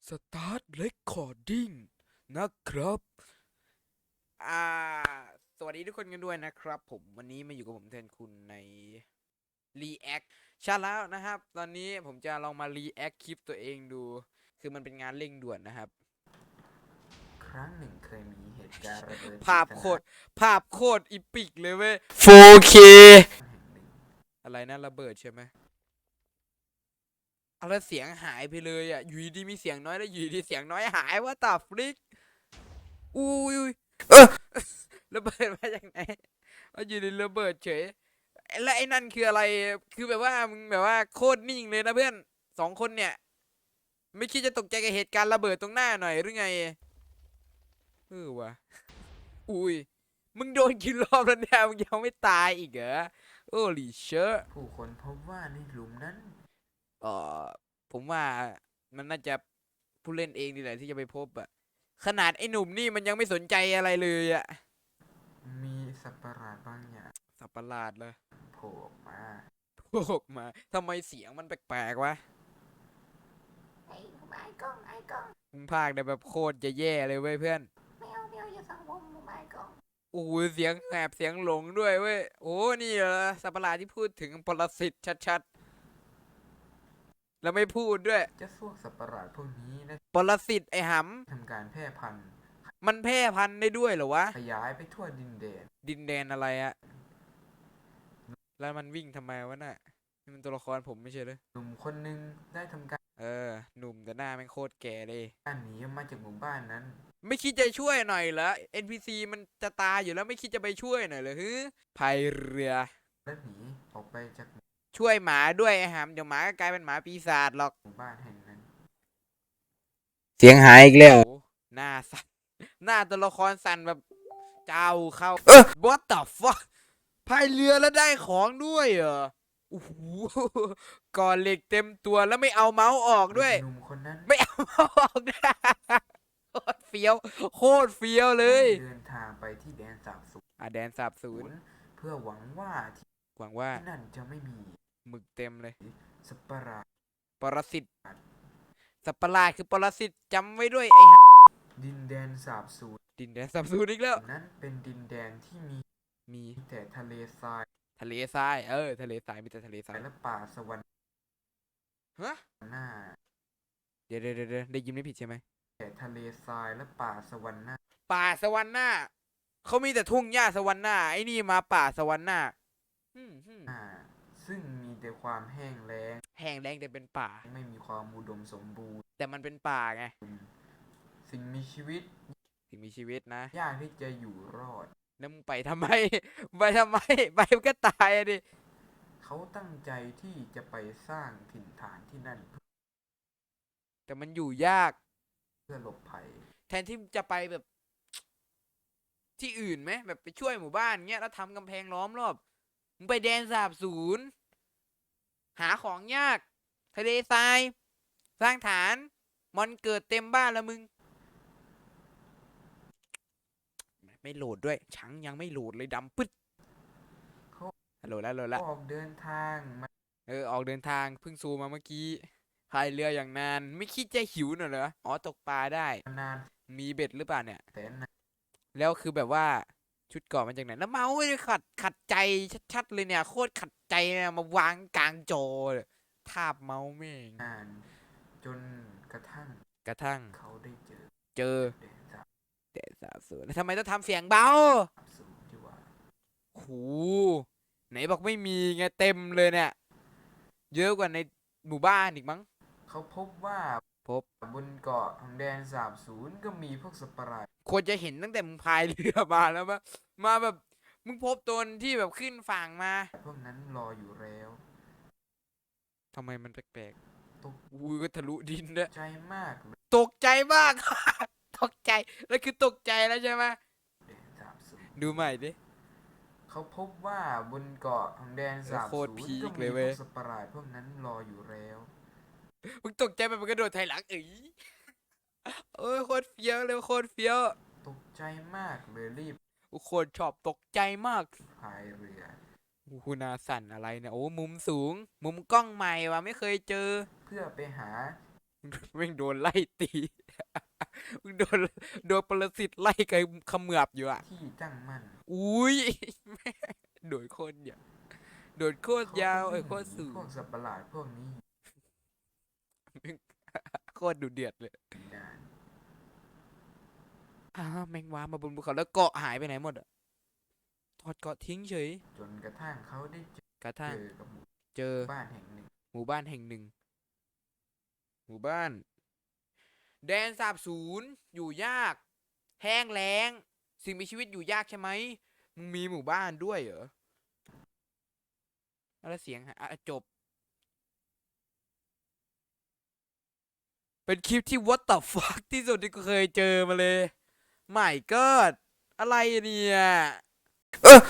Start Recording นะครับอ่าสวัสดีทุกคนกันด้วยนะครับผมวันนี้มาอยู่กับผมแทนคุณใน React ใช่แล้วนะครับตอนนี้ผมจะลองมา React คลิปตัวเองดูคือมันเป็นงานเร่งด่วนนะครับครั้งหนึ่งเคยมีเหตุการณ์ระเบิดภาพโคตรอีปิกเลยเว้ย 4K แห่งหนึ่งอะไรนะระเบิดใช่ไหมเอาแล้วเสียงหายไปเลยอ่ะอยู่ดีมีเสียงน้อยแล้วอยู่ดีเสียงน้อยหายว่าตาฟลิกอุ้ยเออระเบิดมาจากไหนว่าอยู่ดีระเบิดเฉยแล้วไอ้นั่นคืออะไรคือแบบว่ามึงแบบว่าโคตรนิ่งเลยนะเพื่อนสองคนเนี่ยไม่คิดจะตกใจกับเหตุการณ์ระเบิดตรงหน้าหน่อยหรือไงวะอุ้ยมึงโดนกี่รอบแล้วเนี่ยมึงยังไม่ตายอีกเหรอโอ้ลิเชอร์ผู้คนพบว่าในหลุมนั้นเออผมว่ามันน่าจะผู้เล่นเองนี่แหละที่จะไปพบอะขนาดไอ้หนุ่มนี่มันยังไม่สนใจอะไรเลยอะมีสัตว์ประหลาดบางอย่างสับประหลาดเลยโผล่ออกมาโผล่มาทำไมเสียงมันแปลกๆวะไอ้ไม้กล้องไอ้กล้องมึงพากได้แบบโคตรจะแย่เลยเว้ยเพื่อนไม่เอาอย่าสั่งผมไม้กล้องโอ้ยเสียงแหบเสียงหลงด้วยเว้ยโอ้นี่เหรอสัตว์ประหลาดที่พูดถึงปรสิตชัดๆแล้วไม่พูดด้วยเจ้าพวกสัตว์ประหลาดพวกนี้ได้ปรสิตไอ้หทำการแพร่พันธุ์ำมันแพร่พันธุ์ได้ด้วยเหรอวะขยายไปทั่วดินแดนดินแดนอะไรอะแล้วมันวิ่งทำไมวะน่ะนี่มันตัวละครผมไม่ใช่เหรอหนุ่มคนหนึ่งได้ทำการหนุ่มแต่หน้าแม่งโคตรแก่เลยหนีออกมาจากหมู่บ้านนั้นไม่คิดจะช่วยหน่อยเหรอ NPC มันจะตายอยู่แล้วไม่คิดจะไปช่วยหน่อยเหรอฮึพายเรือและหนีออกไปจากช่วยหมาด้วยไอ้หำเดี๋ยวหมาก็กลายเป็นหมาปีศาจหรอกหมู่บ้านแห่งนั้นเสียงหายอีกแล้วหน้าสั่นหน้าตัวละครสั่นแบบเจ้าเข้าwhat the fuck พายเรือแล้วได้ของด้วยเหรอโอ้โหก่อเหล็กเต็มตัวแล้วไม่เอาเมาส์ออกด้วยหนุ่มคนนั้นไม่เอาเมาส์ออกด้วยโคตรเฟี้ยวโคตรเฟี้ยวเลได้ยเดินทางไปที่แดนสาบสูญแดนสาบสูญเพื่อหวังว่าที่หวังว่านั่นจะไม่มีหมึกเต็มเลยสัตว์ประหลาดปรสิตสัตว์ประหลาดคือปรสิตจำไว้ด้วยไอ้ดินแดนสาบสูญดินแดนสาบสูญอีกแล้วนั้นเป็นดินแดนที่มีมีแต่ทะเลทรายทะเลทรายทะเลทรายมีแต่ทะเลทรายและป่าสวรรค์ฮะหน้าเดี๋ยวได้ยินไม่ผิดใช่ไหมแต่ทะเลทรายและป่าสวรรค์หน้าป่าสวรรค์หน้าเขามีแต่ทุ่งหญ้าสวรรค์หน้าไอ้นี่มาป่าสวรรค์หน้าซึ่งมีแต่ความแห้งแล้งแห้งแล้งแต่เป็นป่าไม่มีความอุดมสมบูรณ์แต่มันเป็นป่าไงสิ่งมีชีวิตสิ่งมีชีวิตนะยากที่จะอยู่รอดแล้วมึงไปทำไมไปทำไมไปมันก็ตายอะดิเขาตั้งใจที่จะไปสร้างถิ่นฐานที่นั่นแต่มันอยู่ยากเพื่อหลบภัยแทนที่จะไปแบบที่อื่นไหมแบบไปช่วยหมู่บ้านเงี้ยแล้วทำกำแพงล้อมรอบมึงไปแดนสาบสูญหาของยากทะเลทรายสร้างฐานมอนเกิดเต็มบ้านแล้วมึงไม่โหลดด้วยชังยังไม่โหลดเลยดำปึ๊ดเขาฮัลโหลแล้วโหลดละออกเดินทางมาออกเดินทางเพิ่งซูมาเมื่อกี้พายเรืออย่างนานไม่คิดจะหิวหน่อยเหรออ๋อตกปลาได้นานมีเบ็ดหรือเปล่าเนี่ยแสนนานแล้วคือแบบว่าชุดเกราะมันจากไหนแล้วเมาส์ไม่ได้ขัดใจชัดๆเลยเนี่ยโคตรขัดใจนะมาวางกลางจอเลยทาบเมาส์แม่งจนกระทั่งกระทั่งเขาได้เจอเจอแดนสาบแต่สาบสูญแล้วทำไมต้องทำเสียงเบาสูญที่ว่าโหไหนบอกไม่มีไงเต็มเลยเนี่ยเยอะกว่าในหมู่บ้านอีกมั้งเขาพบว่าพบบนเกาะของแดนสาบสูญก็มีพวกสัตว์ประหลาดควรจะเห็นตั้งแต่มึงพายเรือมาแล้วปะมาแบบมึงพบตนที่แบบขึ้นฝั่งมาพวกนั้นรออยู่แล้วทำไมมันแปลกตกๆอุ้ยก็ทะลุดินด้วยใจมากเลยตกใจมาก ตกใจแล้วคือตกใจแล้วใช่ไหมแดนสาบสูญดูใหม่ดิเขาพบว่าบนเกาะของแดนสาบโคตรสูญพีก็มีคเลยเว้ยพวกสัตว์ประหลาดพวกนั้นรออยู่แล้วมึงตกใจไปมันกระโดดไถหลังเอ้ยโคตรเฟี้ยวเลยโคตรเฟี้ยวตกใจมากเลยรีบโคตรชอบตกใจมากพายเรือคุณนาสั่นอะไรเนี่ยโอ้มุมสูงมุมกล้องใหม่ว่ะไม่เคยเจอเพื่อไปหาแม่งโดนไล่ตี มึงโดนปรสิตไล่ไกเขมือบอยู่อ่ะที่ตั้งมั่นอุ้ย แม่งโดดโคตรยาวโดดโคตรยาวโคตรสูงพวกสัตว์ประหลาดพวกนี้โคตรดุเดือดเลยอยู่นานแมงวามาบนภูเขาแล้วเกาะหายไปไหนหมดอ่ะถอดเกาะทิ้งเฉยจนกระทั่งเขาได้กระทั่งเจอกับหมู่เจอบ้านแห่งหนึ่งหมู่บ้านแห่งหนึ่ง หมู่บ้าน แดนสาบสูญอยู่ยาก แห้งแล้ง สิ่งมีชีวิตอยู่ยากใช่ไหมมึงมีหมู่บ้านด้วยเหรอแล้วเสียงจบ เป็นคลิปที่ what the fuck ที่สุดที่กูเคยเจอมาเลย My god อะไรเนี่ย